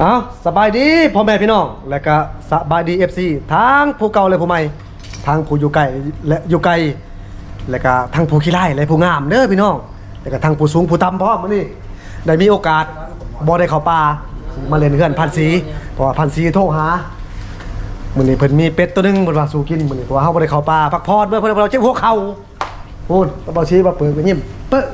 เอาสบายดีพ่อแม่พี่น้องและก็สบายดี FC ทั้งผู้เก่าและผู้ใหม่ทั้งผู้อยู่ไกลและอยู่ไกลและก็ทั้งผู้ขี้ไล่และผู้งามเด้อพี่น้องและก็ทั้งผู้สูงผู้ต่ำพร้อมมื้อนี้ได้มีโอกาสบ่ได้เข้าป่ามาเล่นเฮือนพันสีเพราะว่าพันสีโทรหามื้อนี้เพิ่นมีเป็ดตัวนึงเพิ่นว่าสู่กินมื้อนี้เพราะว่าเฮาบ่ได้เข้าป่าพักผ่อนเมื่อเพิ่นเราเจ็บหัวเข่าพูดตะเบาชี้มาเปิดก็ยิ้มเป๊ะ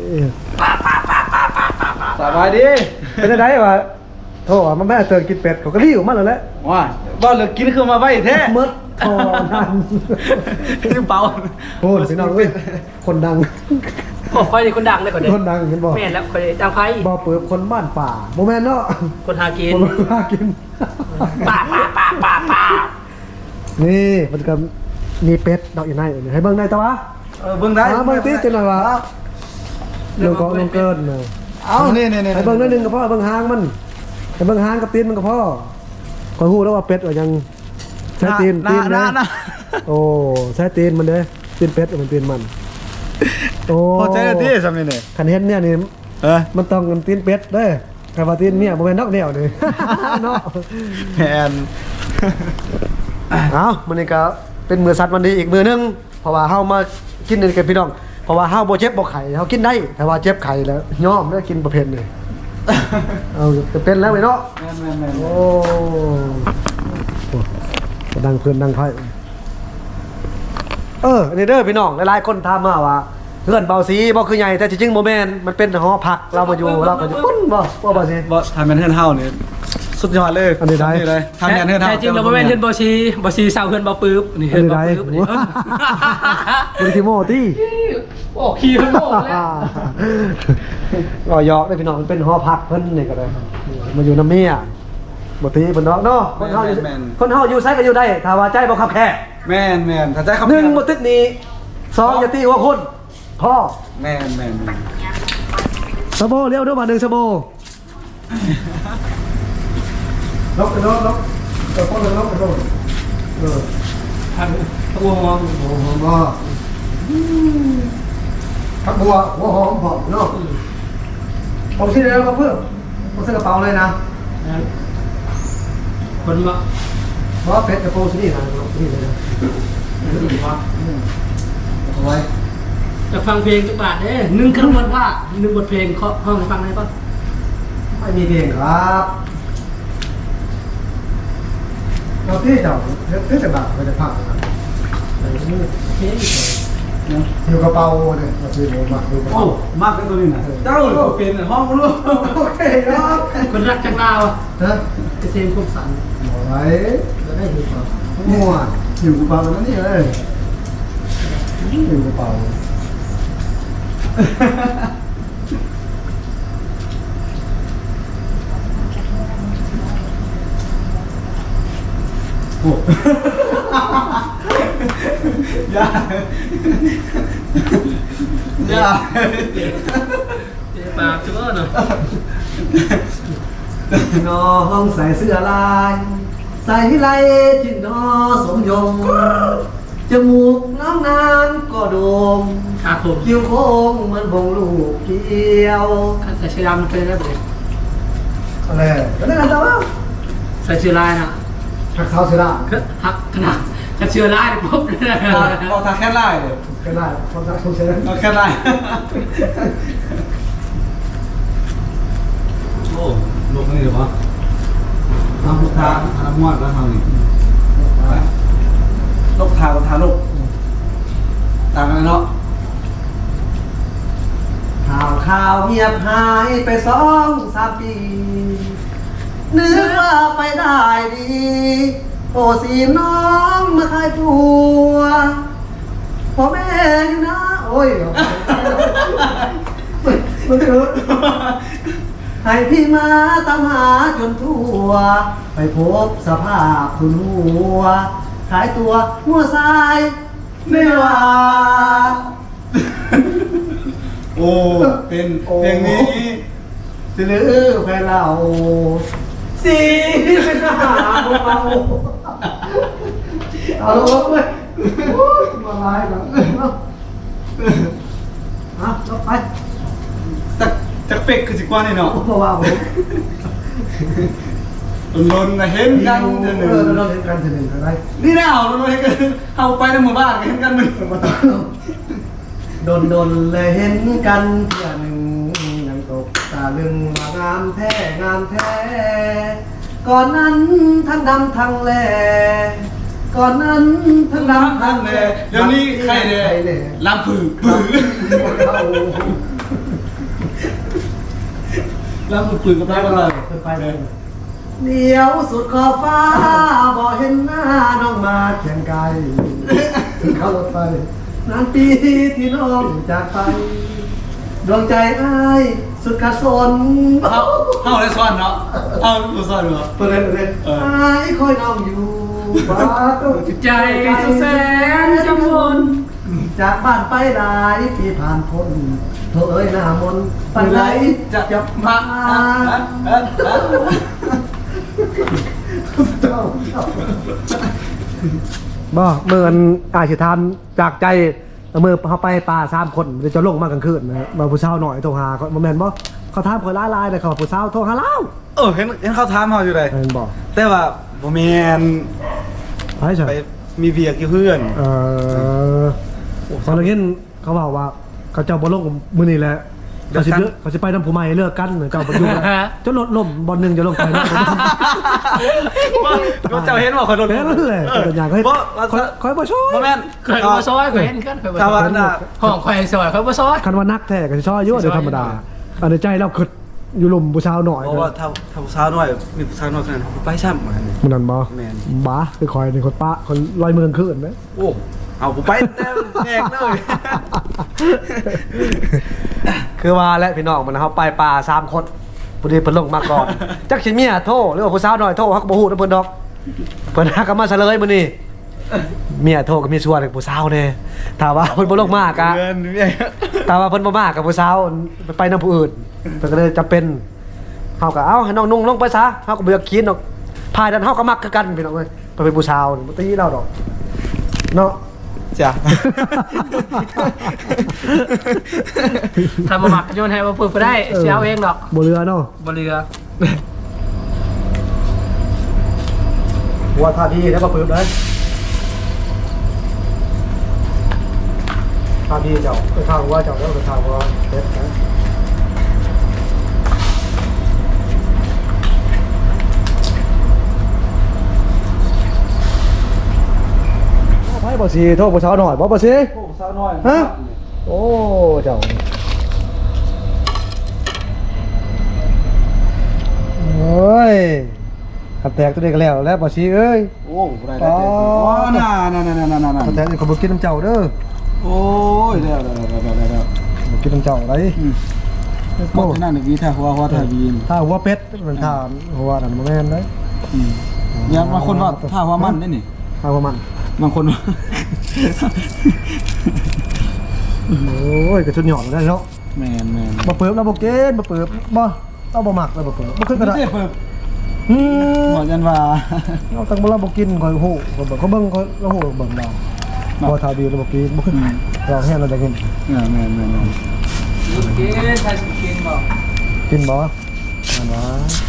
สบายดีเป็นจังไดวะโทษว่ามันแม่เตือนกินเป็ดเขาก็รีบมาแล้วแหละว่าบ้านเหลือกินคือมาไว้แท้มดทอนั่นคือเปล่าโอ้พี่น้องเอ้ยคนดังโอ้คอยนี่คนดังเลยคนเดียวคนดังเห็นบ่แม่นแล้วคนดังไพ่บ่เปิดคนบ้านป่าบ่แม่นเนาะคนหากินคนหากินป่านี่มันก็มีเป็ดดอกอยู่ในให้เบิ่งได้ตะวะเบิ่งได้เบิ่งติจังหน่อยวะเรื่องของลงเกินน่ะเอานี่ให้เบิ่งนิดนึงก็พอเบิ่งหางมันให้เบิ่งหางกับตีนมันก็พอก็ฮู้แล้วว่าเป็ดว่ายังใช้ตีนนะโอ้ใช้ตีนมันเด้ตีนเป็ดมันตีนมันโอ้พอใจแล้วที่ซำนี่คันเห็นเนี่ยนี่มันต้องเงินตีนเป็ดเด้อถ้าว่าตีนเมียบ่แม่นนอกแนวนี่ เนาะแม่นเอ้ามื้อนี้ก็เป็นมื้อสัตว์วันดีอีกมื้อนึงเพราะว่าเฮามากินนี่กันพี่น้องเพราะว่าเฮาบ่เจ็บบ่ไข้เฮากินได้แต่ว่าเจ็บไข้แล้วยอมแล้วกินประเภทนี้เอาจะเป็นแล้วไอ้เนาะแม่นโอ้ดังเพื่อนดังไพ่อันนี้เด้อพี่น้องหลายๆคนถามมาว่าเพื่อนเบาสีบ่คือใหญ่แต่จริงๆโมเมนมันเป็นหอพักเรามาอยู่เราก็อยู่ปุ้นบ่เบาสีบ่ทำแม่นเฮือนเฮานี่สุดยอดเลยอันนี้ได้เลยทำแม่นเฮือนเฮาแต่จริงเราไม่เป็นเฮือนบอชีเศร้าเฮือนบอปื๊บนี่อัเฮืนอนนี้บอได้ปื๊บบริทิโมตี้โอ้ขี้เฮือนโม่แล้วรอยอกได้พี่น้องมันเป็นหอพักเพิ่นนี่ก็ได้มาอยู่น้ำเมียบ่ตีเพิ่นเนาะคนเฮาอยู่ไสก็อยู่ได้ถ้าว่าใจบ่คับแค่แม่นถ้าใจครับ 1บ่ตึกนี้2อย่าตีหัวคนพ่อแม่นสะโบเลี้ยวด้วยมา1สะโบลบไปลบพ่อลบไปลบตัวมองโอ้โหบ่ผักบัวหัวหอมหอมเนาะผมซื้อแล้วก็เพิ่มผมซื้อกระเป๋าเลยนะคนมาเพราะเป็ดกระโปรงซื้อนี่นะซื้อนี่เลยนะเอาไว้จะฟังเพลงจักบาทเด้1คำวันว่า1บทเพลงเขาห้องฟังได้ป่ะไม่มีเพลงครับเราที่เจ้าเทศบาลไปจะพักนะครับเพลงอยู่กระเป๋าเนี่ยเราซื้อมาดูกระโอ้เป๋ามากเป็นตัวนี้น่ะเจ้าเป็นห้องบ่รู้โอเคครับคนรักจังลาวฮะเกษมคมสันเอาไว้แล้วได้ดูก่อนมั่วอยู่กระเป๋านั่นนี่เลยอยู่กระเป๋าโอ้ยาปากจังเนาะน้องใส่เสื้อลายใส่ไรจินนอสมยงจมูกน้องนางก็โด่งขาผมคิ้วโค้งเหมือนบงลูกเกี้ยวใส่เสื้อดำเคยได้ไหมอะไรก็ได้กันแต่ว่าใส่เสื้อลายนะหักเท้าเสื้อละหักขนาดจะเชื่อร้ายปุ๊บเลยนะเอาทาแค่ไล่เลยก็ได้ความรักของเสื้อเอาแค่ไล่โอ้ลงนี่เหรอทำลูกทางทำมอดแล้วทำนี่ลูกทางกับทางลูกต่างกันเนาะข่าวเงียบหายไป2-3 ปีนึกว่าไปได้ดีโอ้สีน้องมาขายตัวพ่อแม่อยู่นะโอ้ยมันเถอะให้พี่มาตามหาจนทั่วไปพบสภาพคุณหัวขายตัวหัวทรายไม่ว่าโอ้เป็นเพลงนี้จะลือแฟนเราสีเป็นทหารเบาเอาลงเลยมาลายกันเอาลงไปจักเป็กคือสิกว่านี่เนาะเพราะว่าผมลนๆเห็นกันเถอะหนึ่งเราเห็นกันทีหนึ่งอะไรนี่แน่เอาลนๆเห็นกันเอาไปในหมู่บ้านเห็นกันหนึ่งโดนเลยเห็นกันเพื่อหนึ่งยังตกตาลึงว่างามแท้งามแท้ก่อนนั้นทั้งดำทั้งแลก่อนนั้นทั้งดำทั้งแลเดี๋ยวนี้ใครเนี่ยลำผือผือลำผือกับได้กันเลยไปเลยเดี๋ยวสุดขอบฟ้าบอกเห็นหน้าน้องมาเคียงไกลถึงเข้ารถไฟนานปีที่น้องจากไปดวงใจอ้ายสุดกระสนเข้าได้ซ่อนเนาะเอาดูซ่อนเหรอเปิดเลยอ้ายคอยน้องอยู่บ้านต้องใจสุดแสนกังวลจากบ้านไปหลายปีผ่านพ้นโถเอ้ยหน้ามนปันไหลจะมา บ่เมื่ออาชิทามจากใจเมื่อเขาไปป่า3 คนจะลงมากลางคืนนะมาผู้เช่าหน่อยโทรหาเขาแมนบ่เขาถามคนลายเลยเขาผู้เช่าโทรหาเราเห็นเขาถามเขาอยู่เลยแมนบ่แต่ว่าบ่แมนไปใช่ไปมีเบียร์กี่เพื่อนตอนนี้เขาบอกว่าเขาเจ้าบ่ลงมื้อนี้แหละเขาสิไปน้ำผู้ใหม่เลิกกันเจ้าบ่อยู่จนรถล่มบ่นึงจะลงไปนะก็เจ้าเห็นว่าคนโดนแค่นั้นแหละตัวอย่างเขาคอยบ่ช่วยบ่แม่นเคยมาซอยเคยเห็นกันเคยมาชาวซอบ้าย นน่ะห้องควายซอยเขามาซอยคันว่านักแท้ก็สิช่วยอยู่เดี๋ยวธรรมดาอันในใจเราคิดอยู่ลมผู้ชาวหน่อยเพราะว่าถ้าผู้สาวน้อยมีผู้สาวน้อยขนาดนั้นไปซ้ำเหมือนกันมันนั่นบ่แม่นบ้าคือคอยในคนปะคนลอยเมืองขึ้นนะโอ้เอาผมไปแตกเลยคือว่าและพี่น้องมันเขาไปป่า3 คนผู้ดีเพิ่นลงมาก่อนจักสิเมียโทรหรือว่าผู้สาวหน่อยโทรเขาก็บ่ฮู้นำเพิ่นดอกเพิ่นหากันมาเฉลยมื้อนี้เมียโทรก็มีส่วนกับผู้สาวแน่ถ้าว่าเพิ่นบ่ลงมากะเงินเนี่ยถ้าว่าเพิ่นบ่มากับผู้สาวไปนำผู้อื่นเพิ่นก็เลยจำเป็นเฮาก็เอ้าให้น้องนุ่งลงไปซะเฮาก็บ่อยากกินดอกพายดันเฮาก็มักคือกันพี่น้องเอ้ยไปเป็นผู้สาวบ่ตีเราดอกเนาะจ้ะทำมาหมักโยนให้มาฝึกไปได้เสียเอาเองดอกบ่เรือเนาะบนเรือว่าท่าดีแล้วก็ปึ๊บเลยท่าดีเจ้าไปข้างว่าเจ้าแล้วไปข้างว่าเด็ดนะไพ่บ่สีโทษบ่เช้าหน่อยบ่สีโอ้สาวน้อยฮะ โอ้เจ้าโอ้ยขับแตกตัวเด็กแล้วแล้วบ่สีเอ้ยโอ้ได้ได้อ๋อน่าขับแตกนี่เขาบ่กินน้ำเจ้าเด้อโอ้ยแล้วบ่กินน้ำเจ้าไรก็ที่นั่นวีถ้าหัวถ้าวีนถ้าหัวเป็ดมันถ้าหัวนั่นบ่แม่นเด้อย่าบางคนว่าถ้าหัวมันได้นี่ถ้าหัวมันบางคนว่าโอ้ยกระชุนหย่อนได้เนาะแมนบ่เปิบแล้วบ่เกณฑ์บ่เปิบบ่เอาบ่มักเลยบ่เปิบบ่ขึ้นกระดาษเปิดอืมบอกยันว่าเอาตั้งบ่เราบ่กินข่อยฮู้ข่อยเบิ่งเขาเบิ่งข่อยเราฮู้เบิ่งเราบ่ถ้าดีแล้วบ่กินบ่ขึ้นเราแห้งเราจะกินแมนกินใครกินบอกกินบ่นั่นวะ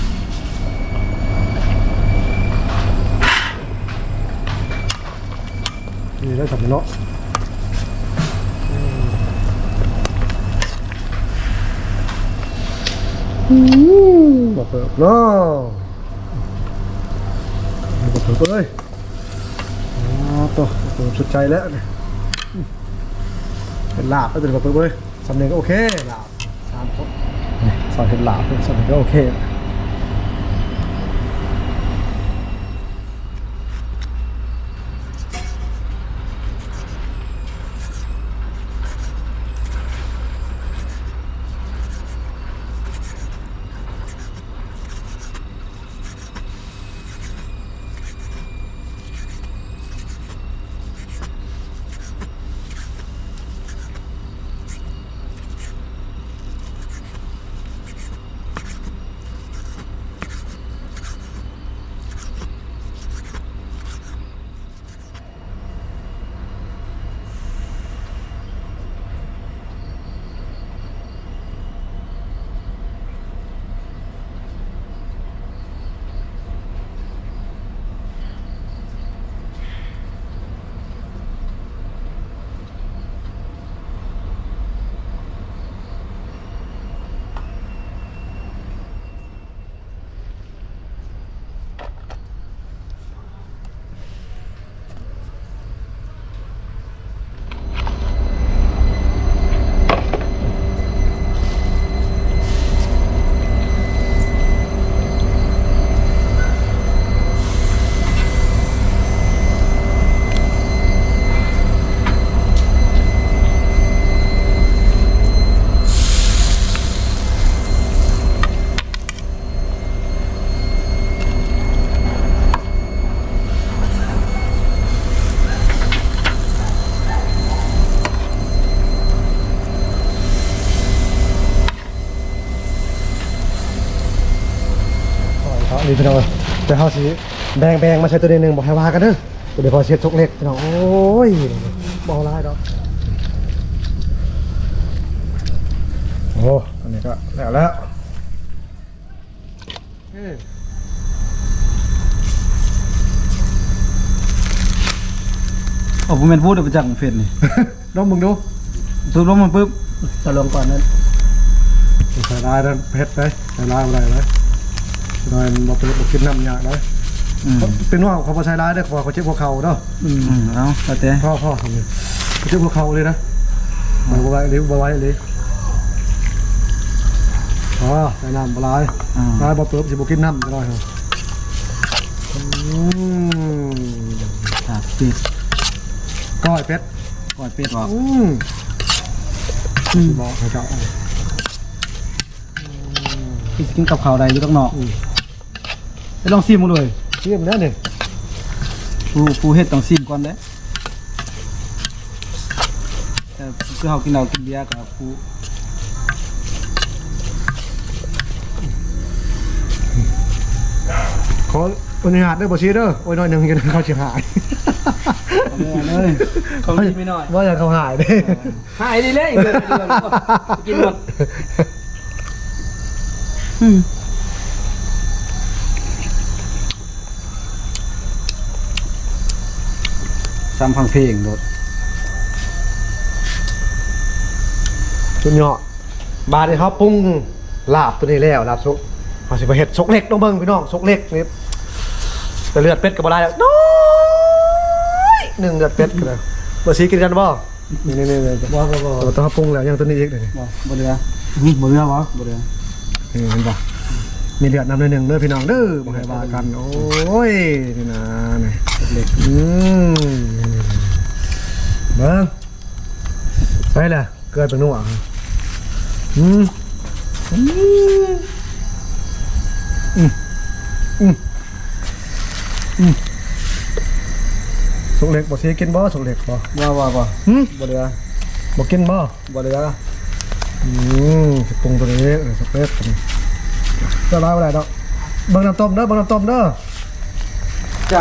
นี่ได้สำเนาะบ่เปิบเนาะบ่เปิบเลยตัวสุดใจแล้วเนี่ยเป็นลาบแล้วเป็นบ่เปิบเลยสำเนียงก็โอเคลาบ3 คนสอนเป็นลาบเป็นสำเนียงก็โอเคาะนี่พี่น้องแต่เฮาสิแบ่งมาใช้ตัวนี้หนึงบ่ให้ว่ากันเด้อเดี๋ยวพอเช็ดชกเล็กพี่น้องโอ้ยบ่เอาหลายดอกโอ้อันนี้ก็แล้วโอ้ผมเป็นพูดเอาไปจากเฟซนี่ลองมึงดูทุบลงมันปุ๊บจะลงก่อนนั้นใส่ลายนั่นเพชรเลยใส่ลายอะไรเลยหน่อยมาเป็นบกินน้ำยาเลยเป็นว่าเขาพอใช้ลายได้พอเขาเจ็บหัวเข่าเนาะเอาแต่พ่อทำเลยเขาเจ็บหัวเข่าเลยนะมาไว้เลยมาไว้เลยอ๋อใส่น้ำปลายลายบอเปิบจะบกินน้ำจะได้เหรอครับปิดก้อยเป็ดก่อนปิดออกบอกให้เจ้าพี่กินกับข้าวใดอยู่ต้องนอกไปลองซิมมาเลยเชี่ยมแล้วเนี่ยปูเฮ็ดต้องซิมก่อนเด้แต่คือเฮากินเหล้ากินเบียร์กับปูขออนุญาตได้บ่ชีเด้อโอ้ยน้อยหนึ่งยังเขาเสียหายเลยเขากินไม่น้อยว่าจะเขาหายเด้หายดีเลยเดือนกินหมดซ้ำฟังเพลงโดดจุนเหาะบาดนี่เขาปรุงลาบตัวนี้แล้วลาบซุกเขาสิไปเฮ็ดซกเล็กน้องเบิ่งพี่น้องซกเล็กนี่แต่เลือดเป็ดก็บ่ได้แล้วน้อยหนึ่งเลือดเป็ดก็ได้บ่สิกินกันบ่นี่ๆๆบ่ต้องเขาปรุงแล้วยังตัวนี้อีกนี่บ่เรือบ่เรือบ่บ่เรือเห็นบ่มีเลือดนำหนึ่งเด้อพี่น้องเด้อบ่ให้ว่ากันโอ้ยนี่นะนี่เล็กเบิ่งใส่ละเกิดเป็นนัวสุกเล็กบ่สิกินบ่สุกเล็กบ่บ่บ่เดือบ่กินบ่บ่เรือสิปรุงตัวนี้สเปซจะร้ายอะไรดอกเบิ่งน้ำต้มเด้อเบิ่งน้ำต้มเด้อจ้า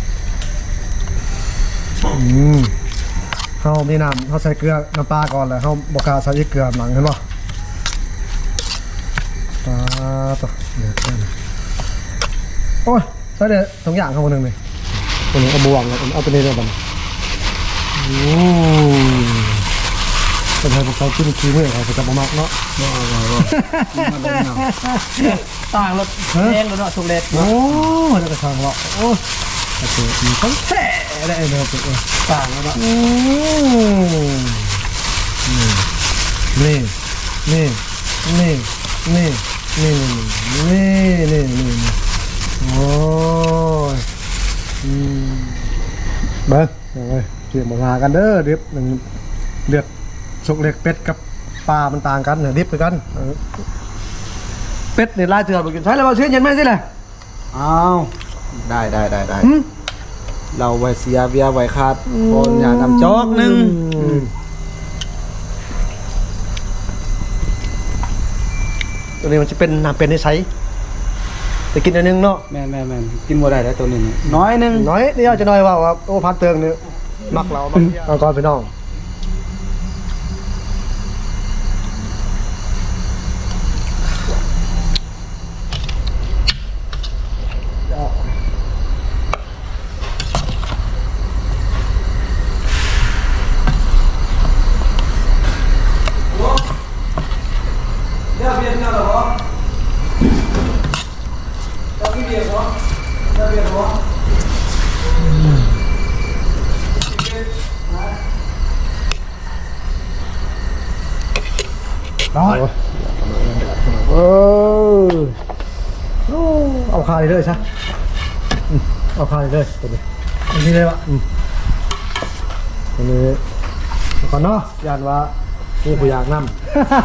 เฮามีน้ำเฮาใส่เกลือน้ำปลาก่อนแล้วเฮาบ่กล้าใส่อีกเกลือหลังเห็นบ่ปลาต่อเนี่ยโอ้ยใส่ได้สองอย่างเข้ามานึงนี่ตัวนี้เอาบวงเอาตัวนี้เด้อบัดเป็นไงพวกเขากินขี้มื้อเขาจะบ่มักเนาะต่างรถแดงรถเนาะสุกเล็กโอ้ยแล้วก็ทางเลาะโอ้ยโอเคมีต้องแท้ได้เนอะต่างแล้วเนาะนี่นี่นี่นี่นี่นี่นี่โอ้ยเบิ้งเอาไว้เกี่ยมาหากันเด้อดิบหนึ่งเลือดสุกเล็กเป็ดกับปลามันต่างกันเนี่ยดิบคือกันเป็ดเนี่ยลายเถื่อนกินใช้แล้วมาเชื่อเย็นไหมสิเลยอ้าวได้เราไว้เสียเบียร์ไว้คาดโอนอย่านำจอกนึงตัวนี้มันจะเป็นน้ำเป็นในใช้แต่กินอันนึงเนาะแม่นกินบ่ได้แล้วตัวนี้น้อยนึงน้อยนี่เอาจะน้อยว่าโอ้พันเตืองเนี่ยมักเราเอาก่อนไปน้องร้อยเอาคาเลยใช่เอาคาเลยตัวนี้อันนี้เลยวะตัวนี้ก่อนเนาะยานว่านี่ผู้อยากนำ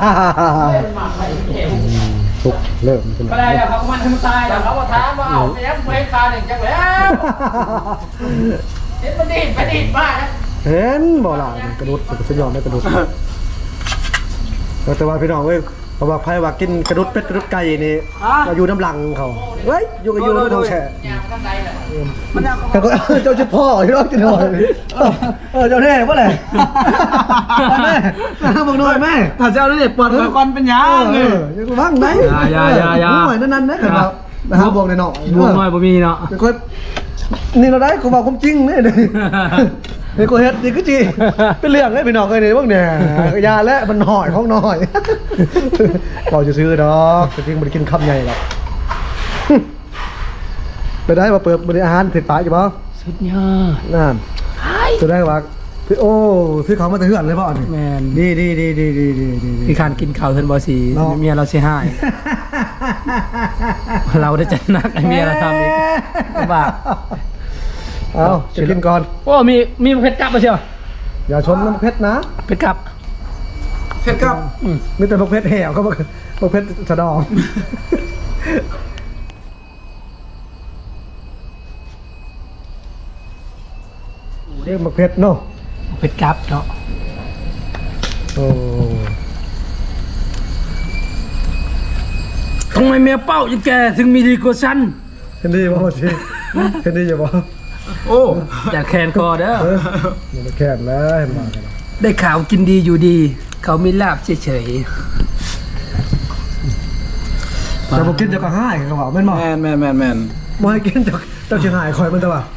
ทุกเริ่มเป็นก็ได้แล้วเขามันทำตายแล้วเขามาถามว่าเอาไปยังไม่คาหนึ่งจังแล้วเห็นมันดีดบ้านะเห็นบ่ล่ะกระโดดกระสุนยอมไม่กระโดดแต่ว่าพี่น้องเว้ยเพราะว่าไผว่ากินกระดุดเป็ดกระดุดไก่นี่ก็อยู่น้ำหลังเขาเฮ้ยอยู่กับอยู่น้ำท้องแช่ยามกันใดแหละแต่ก็เจ้าชิดพ่อที่รอดกินหน่อยเจ้าแน่เมื่อไหร่แม่บอกหน่อยแม่ถ้าเจ้าเนี่ยปวดหัวก่อนเป็นยังเลยยังบ้างไหนอย่าหน่อยนั่นนะครับนะฮะบอกหน่อยบวกน้อยบ่มีเนาะเป็นคนนี่เราได้กูบอกความจริงเนี่ยนี่กูเฮ็ดนี่ก็จีเป็นเรื่องเลยพี่น้องเลยนี่พวกเนี่ยยาและมันหน่อยของหน่อยเราจะซื้อดอกแต่จริงมันกินคำใหญ่หรอกไปได้มาเปิดบริอาหารเสร็จปากอยู่ป่ะสุดยอดนั่นจะได้ว่าโอ้ซื้อเขามาแต่เหือนเลยป่ะนี่แมนดีพี่คานกินข้าวเทินบ่สีเนาะเมียเราสิหาย เราได้จัดหนักไอ้เมียเราทำอีกบ้าเอาจะกินก่อนโอ้มีเพชรกลับมาเชียวอย่าชนน้ำเพชรนะเพชรกลับเผ็ดครับมีแต่พวกเพชรแห่วก็พวกเพชรสะดองเรียกมาเพชรเนาะเพชรกลับเนาะโอ้ทำไมเมียเป้ายังแกถึงมีดีกว่าฉันเห็นดีป่ะชีเห็นดีอย่าบอกโอ้อย่าแคนคอเด้ออย่ามาแค่นแล้วเห็นมากันได้ข่าวกินดีอยู่ดี เขามีลาบเฉยจะบอกกินจะก็ให้กันว่าแม่นบอกแมนบ่ให้กินจะเชียงหายคอยมันแต่ว่า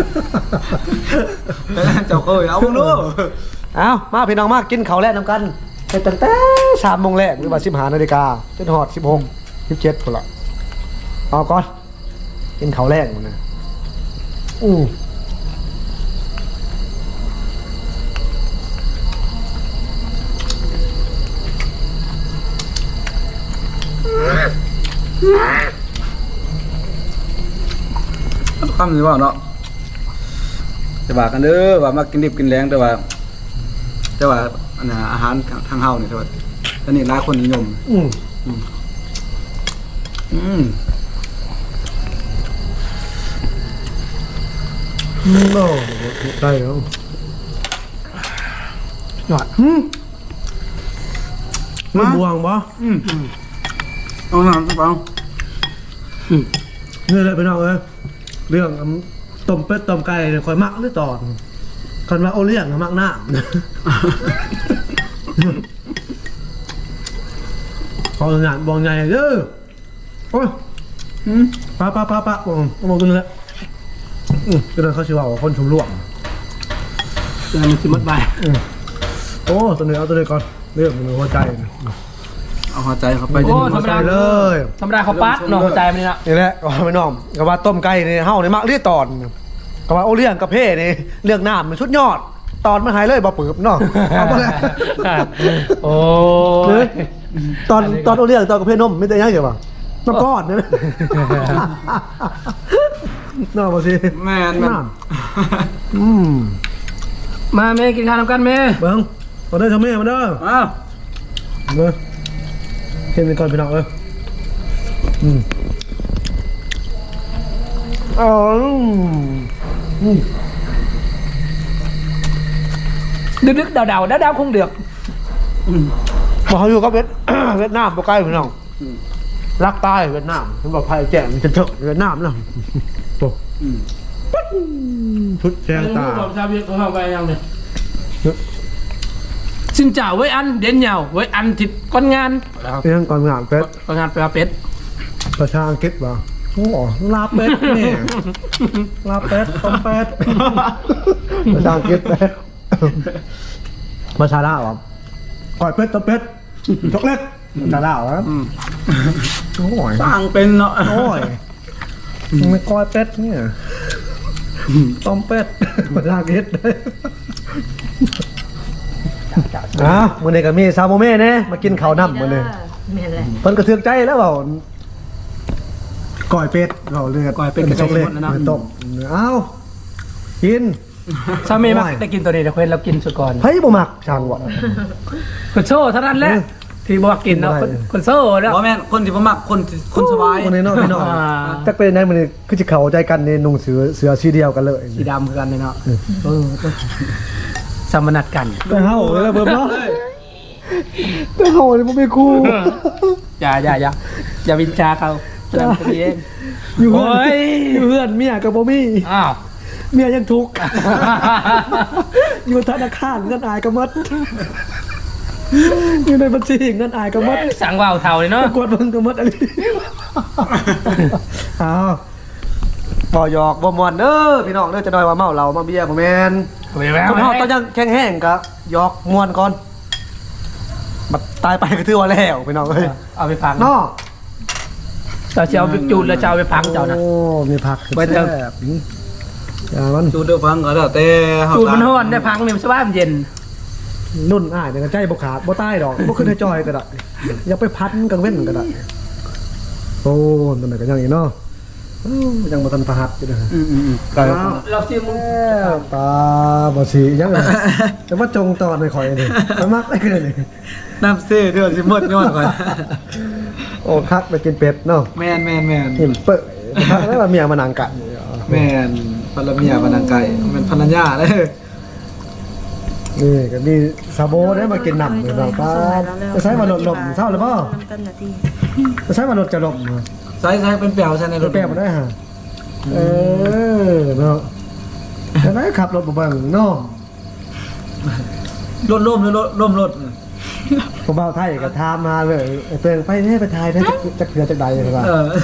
เจ้าเคยเอาพวกนู้เอามาพี่น้องมากินข้าวแลกน้ำกันไปตั้งแต่3 โมงแรกหรือว่า15 นาฬิกาจนฮอด16 17พุ่นละเอาก่อนกินข้าวแรกมันนะคำนี้ว่าเนาะจะว่ากันเด้อว่ามากินดิบกินแรงแต่ว่าอันน่ะอาหารทางเฮานี่แต่ว่าอันนี้หลายคนนิยมโอ้ได้แล้วหยอดไม่บวงปะเอาหนังเปล่านี่แหละพี่น้องเอ้ยเรื่องต้มเป็ดต้มไก่เนี่ยคอยมักหรือตอนคนว่าโอเลี้ยงมักหน้าพองานบองใหญ่เด้อโอ้ยป้ามองกันเลยก็เลยเขาชื่อว่าคนชุมร่วมเดี๋ยวมันสิหมดไปโอ้ตัวนี้เอาตัวนี้ก่อนเรื่องมันหัวใจนะเอาหัวใจเข้าไปโอ้หัวใจเลยธรรมดาเขาปัดเนาะหัวใจมันนี่ละนี่แหละก็ไม่น้องก็ว่าต้มไก่นี่เฮานี่มักเรียตอนก็ว่าโอเลี้ยงกับเพ่นี่เรื่องน้ำมันชุดยอดตอนมันหายเลยบ่ปืบเนาะเอาไปเลยโอ้ยตอนโอเลี้ยงตอนกับเพ่นมไม่ได้ยังเกี่ยวป่ะน้ำก้อนเนี่ยน่าบ่สิแม่นมาแม่กินข้าวทำกันแม่เบิ้งมาเด้อชาวแม่มาเด้ออ้าวเด้อเห็นเป็นก่อนพี่น้องเอ้ยอ๋อดึกๆดาวคงเดือกบอกเขาอยู่กับเวียดนามบ่ใกล้พี่น้องรักใต้เวียดนามฉันบอกไพ่แจ่มจะเถอะเวียดนามเนาะโอ้ชุดแจงตาชาวเวียดของเราไปยังเนี่ยสินเจ้าไว้อันเด่นเหยาไว้อันติดก้อนงานเรื่องก่อนงานเป็ดก้อนงานไปลาเป็ดประชาอังกฤษป่ะโอ้ลาเป็ดนี่ลาเป็ดต้มเป็ดประชาอังกฤษเป็ดภาษาลาวอ่ะก่อยเป็ดต้มเป็ดช็อกโกแลตภาษาลาวอ่ะโอ้ยสร้างเป็นเนาะโอ้ยไม่ก้อยเป็ดเนี่ยต้มเป็ดภาษาอังกฤษมื้อนี้ก็มีซาโมเม่เน่มากินข้าวน้ำมื้อนี้แม่นเลยเพิ่นกระเทือกใจแล้วเปล่าก่อยเป็ดเราเลือดก้อยเป็ดกระช็อกโกแลตหมดแล้วเนาะต้มเอ้ากินชาวเมย์มักได้กินตัวนี้เดี๋ยวเพื่อนเรากินสุดก่อนเฮ้ยบ่มักช่างว่ะคนโซ่เท่านั้นแหละที่บอกกินเนาะคนโซ่แล้วบ่แม่นคนที่บ่มักคนสบายวันนี้เนาะพี่น้องอ่าจักเป็นได้มื้อนี้คือสิเข้าใจกันนี่นุ่งเสื้อสีเดียวกันเลยสีดำคือกันเลยเนาะสมนัดกันไปเฮาเลยเบิ่มเนาะแต่เฮานี่บ่มีครูอย่าวินชาเขาเรื่องตัวเองอยู่เฮืโอ้อนยอยู่เฮือนเมียก็บ่มีอ้าวเมียยังทุกข์ อยู่ธนาคารเงินอายก็หมดอยู่ในบัญชีเงินอายก็หมดสั่งว่าวเท่าเลยเนาะกดเบิ่งก็หมดอะไรอ้าวบ่หยอกบ่ม่วนเด้อพี่น้องเด้อจะน้อยว่าเมาเหล้ามาเบียร์บ่แม่น คนเฮาต้องยังแข็งแห้งก็หยอกม่วนก่อนบัดตายไปก็ถือว่าแล้วพี่น้องเอ้ยเอาไปฟังเนาะเราจะเอาไปจูนแล้วจะเอาไปพังเจ้านะโอ้มีผักไปเถอะแซ่บอย่ามันดูเด้อฟังก็แล้วแต่เฮาจูนมันฮ้อนได้พังเนี่ยมันสบายมันเย็นนุ่นอ้ายเนี่ยก็ใจบ่ขาดบ่ตายดอกบ่ขึ้นให้จอยก็ได้อย่าไปพันกลางเว้นก็ได้โอ้นั่นน่ะก็ยังอีกเนาะโอ้ยังบ่ทันประหัดอยู่เด้อก็เราชิมแม่ตาบ่สิยังไงจะมาจงตอนให้ข่อยนี่ไปมักได้คือนี่น้ำเซ่เด้อสิหมดย้อนก่อนโอ้คักไปกินเป็ดเนาะแม่นหิมเปิ้คักแล้วว่าเมียมานั่งกันแม่นภรรเมียพนังไก่แม่นภรรยาเด้อนี่ก็มีซาโบได้มากินน้ำเลยเราป้าจะใช้มาหลดลมเศร้าหรือเปล่าน้ำต้นนาทีจะใช้มาหลดจะลมใส่เป็นเปียวใส่ในรรถถแป้มาได้ฮะเนาะจะได้ขับรถบ่เบิ่งเนาะรถล่มหรือล่มรถผมเบาไทยก็ถามมาเลยเตือนไปให้ไปทายได้จะเกลือจากใดเลยว่าเออ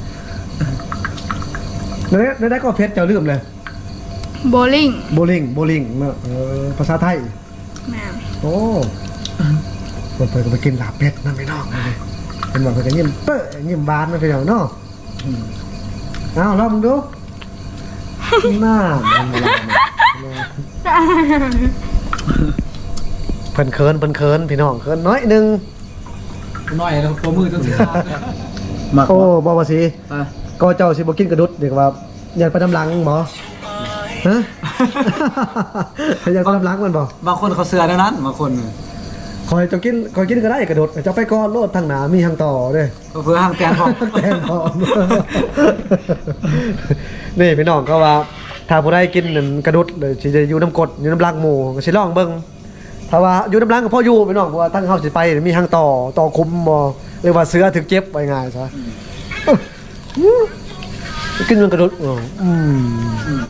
ได้ก็เพชรเจ้าลืมเลยโบลิ่งโบลิ่งเนาะภาษาไทยแม่โอ้คนเปิดก็ไปกินลาบเป็ดนั่นไม่นอกเลยเป็นว่าเพิ่นก็ยิ้มเป้อยิ้มบานนั่นไปเดี๋ยวเนาะเอาลองดูหน้ามันบ่ล่ะเพิ่นเคินพี่น้องเคินน้อยหนึงน้อยแล้วตัวมือต้องสิขาดมาโอ้บ่ว่าสิอ่ะก็เจ้าสิบ่กินกระดุดเด็กว่าอยากไปน้ำหลังบ่ฮะ อยากไปน้ำหลังมันบ่บางคนเขาเสือดังนั้นบางคนคอยเจ้ากินคอยกินก็ได้กระโดดเจ้าไปก่อนโลดทางหนามีทางต่อเด้ก็เพื่อห่างแตนพอแตนพร้อม นี่พี่น้องก็ว่า ถ้าผู้ใดกินนั่นกระดุดเลยสิจะอยู่น้ำกรดอยู่น้ำลังหมูก็สิลองเบิ่งถ้าว่าอยู่น้ำลังก็พออยู่พี่น้องเพราะว่าทางเฮาสิไปมีทางต่อคุมบ่เรียกว่าเสือถึกเจ็บไว้ง่ายซะกินมันกระดุด